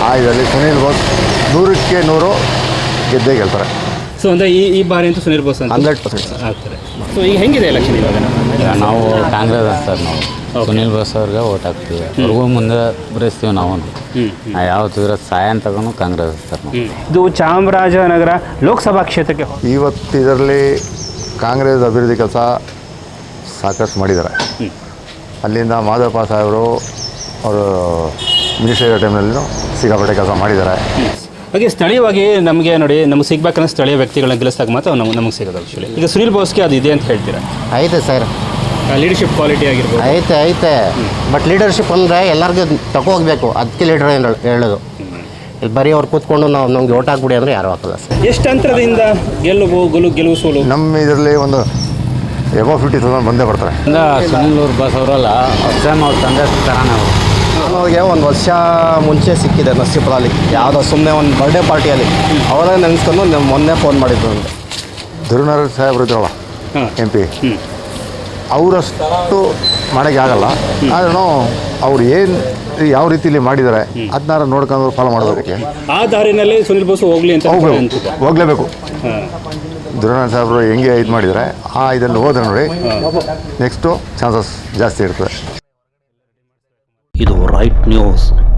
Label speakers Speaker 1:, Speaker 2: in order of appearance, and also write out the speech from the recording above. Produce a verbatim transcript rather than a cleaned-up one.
Speaker 1: ಆ ಇದರಲ್ಲಿ ಸುನೀಲ್ ಬೋಸ್ ನೂರಕ್ಕೆ ನೂರು ಗೆದ್ದೇ ಗೆಲ್ತಾರೆ.
Speaker 2: ಸೊ ಅಂದರೆ ಈ ಈ ಬಾರಿ ಅಂತೂ ಸುನೀಲ್ ಬೋಸ್ ಅಂತ
Speaker 1: ಹಂಡ್ರೆಡ್ ಪರ್ಸೆಂಟ್
Speaker 2: ಆಗ್ತಾರೆ. ಸೊ ಈಗ ಹೆಂಗಿದೆ ಎಲೆಕ್ಷನ್ ಇವಾಗ?
Speaker 3: ಈಗ ನಾವು ಕಾಂಗ್ರೆಸ್ ಸರ್ ನಾವು ಸುನೀಲ್ ಬೋಸ್ ಅವ್ರಿಗೆ ಓಟ್ ಹಾಕ್ತೀವಿ. ಅವ್ರಿಗೂ ಮುಂದೆ ಬರೆಸ್ತೀವಿ ನಾವು. ಯಾವತ್ತು ಇರೋ ಸಹಾಯ ತಗೊಂಡು ಕಾಂಗ್ರೆಸ್ ಸರ್ ನಾವು.
Speaker 2: ಇದು ಚಾಮರಾಜನಗರ ಲೋಕಸಭಾ ಕ್ಷೇತ್ರಕ್ಕೆ
Speaker 1: ಇವತ್ತು ಇದರಲ್ಲಿ ಕಾಂಗ್ರೆಸ್ ಅಭಿವೃದ್ಧಿ ಕೆಲಸ ಸಾಕಷ್ಟು ಮಾಡಿದ್ದಾರೆ. ಅಲ್ಲಿಂದ ಮಾಧವಪ್ಪ ಸಾಹೇಬರು ಅವರು ಮಿನಿಸ್ಟರ್ ಇರೋ ಟೈಮ್ನಲ್ಲೂ ಸಿಕ್ಕಾಪಟ್ಟೆ ಕೆಲಸ ಮಾಡಿದ್ದಾರೆ.
Speaker 2: ಹಾಗೆ ಸ್ಥಳೀಯವಾಗಿ ನಮಗೆ ನೋಡಿ ನಮಗೆ ಸಿಗ್ಬೇಕಂದ್ರೆ ಸ್ಥಳೀಯ ವ್ಯಕ್ತಿಗಳನ್ನ ಗೆಲ್ಲಿಸಿದಾಗ ಮಾತ್ರ ನಮ್ಗೆ ನಮಗೆ ಸಿಗೋದು. ಆ್ಯಕ್ಚುಲಿ ಈಗ ಸುನೀಲ್ ಬೋಸ್ಗೆ ಅದು ಇದೆ ಅಂತ ಹೇಳ್ತೀರಾ?
Speaker 4: ಐತೆ ಸರ್,
Speaker 2: ಲೀಡರ್ಶಿಪ್ ಕ್ವಾಲಿಟಿ ಆಗಿರ್ಬೋದು.
Speaker 4: ಐತೆ ಐತೆ ಬಟ್ ಲೀಡರ್ಶಿಪ್ ಅಂದರೆ ಎಲ್ಲರಿಗೂ ತಗೋಗ್ಬೇಕು. ಅದಕ್ಕೆ ಲೀಡರ್ ಏನು ಹೇಳೋದು. ಇಲ್ಲಿ ಬರೀ ಅವ್ರು ಕೂತ್ಕೊಂಡು ನಾವು ನಮ್ಗೆ ಓಟ್ ಹಾಕ್ಬಿಡಿ ಅಂದರೆ ಯಾರು ಹಾಕಲ್ಲ ಸರ್.
Speaker 2: ಎಷ್ಟು ಅಂತರದಿಂದ ಗೆಲುವು ಗೆಲುವು ಗೆಲುವು ಸೋಲು?
Speaker 1: ನಮ್ಮ ಇದರಲ್ಲಿ ಒಂದು ಎಬೋ ಫಿಫ್ಟಿ ತೌಸಂಡ್ ಬಂದೇ ಬರ್ತಾರೆ.
Speaker 3: ಸುನೀಲ್ ಬೋಸ್ ಅವರಲ್ಲ ಸೇಮ್ ಅವ್ರ ತಂದೆ ಥರನೇ ಅವರು.
Speaker 4: ನನಗೆ ಒಂದು ವರ್ಷ ಮುಂಚೆ ಸಿಕ್ಕಿದೆ ನಸೀಪುರಲ್ಲಿ, ಯಾವುದೋ ಸುಮ್ಮನೆ ಒಂದು ಬರ್ಡೇ ಪಾರ್ಟಿಯಲ್ಲಿ ಅವರೇ ನೆನೆಸ್ಕೊಂಡು ನಮ್ಮ ಮೊನ್ನೆ ಫೋನ್ ಮಾಡಿದ್ರು ನನಗೆ.
Speaker 1: ಧುರುನಾರಾಯಣ ಸಾಹೇಬ್ರು ಇದ್ರಲ್ಲ ಎಂ ಪಿ, ಅವರಷ್ಟು ಮಾಡೋಕ್ಕೆ ಆಗಲ್ಲ. ಆದ್ರೂ ಅವ್ರು ಏನು ಯಾವ ರೀತಿಯಲ್ಲಿ ಮಾಡಿದ್ದಾರೆ ಅದನ್ನಾರು ನೋಡ್ಕೊಂಡು ಫಾಲೋ ಮಾಡೋದಕ್ಕೆ
Speaker 2: ಆ ದಾರಿನಲ್ಲಿ ಸುನೀಲ್ ಬೋಸ್ ಹೋಗ್ಲಿ ಅಂತ
Speaker 1: ಹೋಗ್ಬೇಕು ಹೋಗಲೇಬೇಕು. ಧುರುನಾರಾಯಣ ಸಾಹೇಬರು ಹೆಂಗೆ ಇದು ಮಾಡಿದರೆ ಆ ಇದನ್ನು ಹೋದ್ರೆ ನೋಡಿ ನೆಕ್ಸ್ಟು ಚಾನ್ಸಸ್ ಜಾಸ್ತಿ ಇರ್ತದೆ.
Speaker 5: ಇದು ರೈಟ್ ನ್ಯೂಸ್.